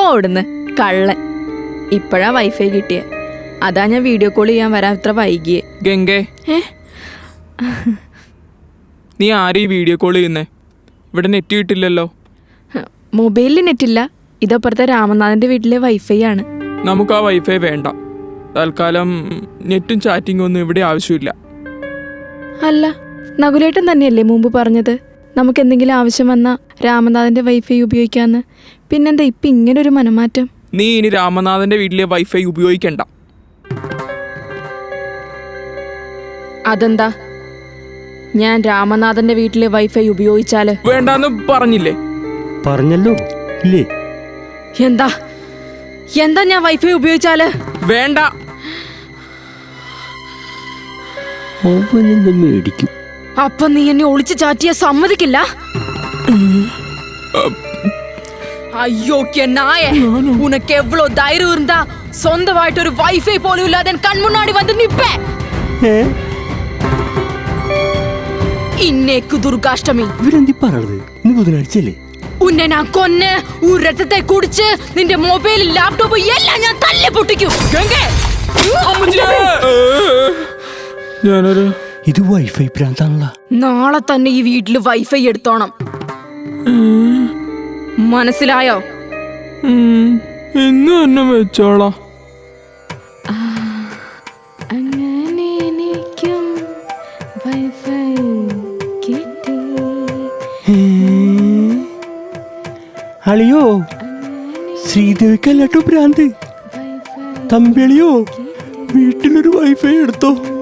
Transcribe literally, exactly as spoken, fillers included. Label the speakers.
Speaker 1: പോടുന്ന് കള്ളൻ. ഇപ്പോഴാ വൈഫൈ കിട്ടിയ, അതാ ഞാൻ വീഡിയോ കോൾ ചെയ്യാൻ വരാൻ ഇത്ര വൈകിയേ.
Speaker 2: ഗംഗേ, നീ ആരെയും വീഡിയോ കോൾ ചെയ്യുന്നേ? ഇവിടെ നെറ്റ് കിട്ടില്ലല്ലോ.
Speaker 1: മൊബൈലിൽ നെറ്റില്ല, ഇതപ്പുറത്തെ രാമനാഥന്റെ വീട്ടിലെ വൈഫൈ ആണ്.
Speaker 2: നമുക്ക് ആ വൈഫൈ വേണ്ട. തൽക്കാലം നെറ്റും ചാറ്റിംഗും ഒന്നും ഇവിടെ ആവശ്യമില്ല.
Speaker 1: അല്ല, നകുലേട്ടൻ തന്നെയല്ലേ മുമ്പ് പറഞ്ഞത് നമുക്ക് എന്തെങ്കിലും ആവശ്യം വന്നാൽ രാമനാഥന്റെ വൈഫൈ ഉപയോഗിക്കാന്ന്? പിന്നെന്താ ഇപ്പം ഇങ്ങനൊരു മനമാറ്റം?
Speaker 2: നീ ഇനി രാമനാഥന്റെ വീട്ടിലെ വൈഫൈ ഉപയോഗിക്കണ്ട.
Speaker 1: അതെന്താ? ഞാൻ രാമനാഥന്റെ വീട്ടിലെ വൈഫൈ ഉപയോഗിച്ചാല്?
Speaker 2: വേണ്ടാന്ന് പറഞ്ഞില്ലേ?
Speaker 3: പറഞ്ഞല്ലോ ഇല്ലേ?
Speaker 1: എന്താ എന്താ ഞാൻ വൈഫൈ ഉപയോഗിച്ചാല്?
Speaker 2: വേണ്ട.
Speaker 3: മേടിക്കും.
Speaker 1: അപ്പൊ നീ എന്നെ ഒളിച്ച് ചാറ്റിയ സമ്മതിക്കില്ല? അയ്യോ നായ, ഉനക്ക് എവ്വളോ ധൈര്യം இருந்தா സ്വന്തമായിട്ടൊരു വൈഫൈ പോലും ഇല്ലാതെ കൺമുന്നാടി വന്ന് നിപ്പേ. ഇന്നേക്ക് ദുർഗാഷ്ടമി.
Speaker 3: ഇവരെന്തി പറഞ്ഞത്? ഇന്ന് ബുധനാഴ്ചയല്ലേ?
Speaker 1: ഉന്നെ ഞാൻ കൊന്ന് ഒരു രക്തത്തെ കുടിച്ച് നിന്റെ മൊബൈൽ ലാപ്ടോപ്പ് എല്ലാം ഞാൻ തല്ലി പൊട്ടിക്കും.
Speaker 2: ഞാനൊരു
Speaker 3: ഇത് വൈഫൈ പ്രാന്താണല്ലോ.
Speaker 1: നാളെ തന്നെ ഈ വീട്ടില് വൈഫൈ എടുത്തോണം, മനസ്സിലായോ?
Speaker 2: ഇന്ന് തന്നെ വെച്ചോളാ.
Speaker 1: അങ്ങനെ എനിക്കും വൈഫൈ കിട്ടി.
Speaker 3: അളിയോ, ശ്രീദേവിക്കല്ലാട്ടോ ഭ്രാന്ത്. തമ്പിളിയോ, വീട്ടിലൊരു വൈഫൈ എടുത്തോ.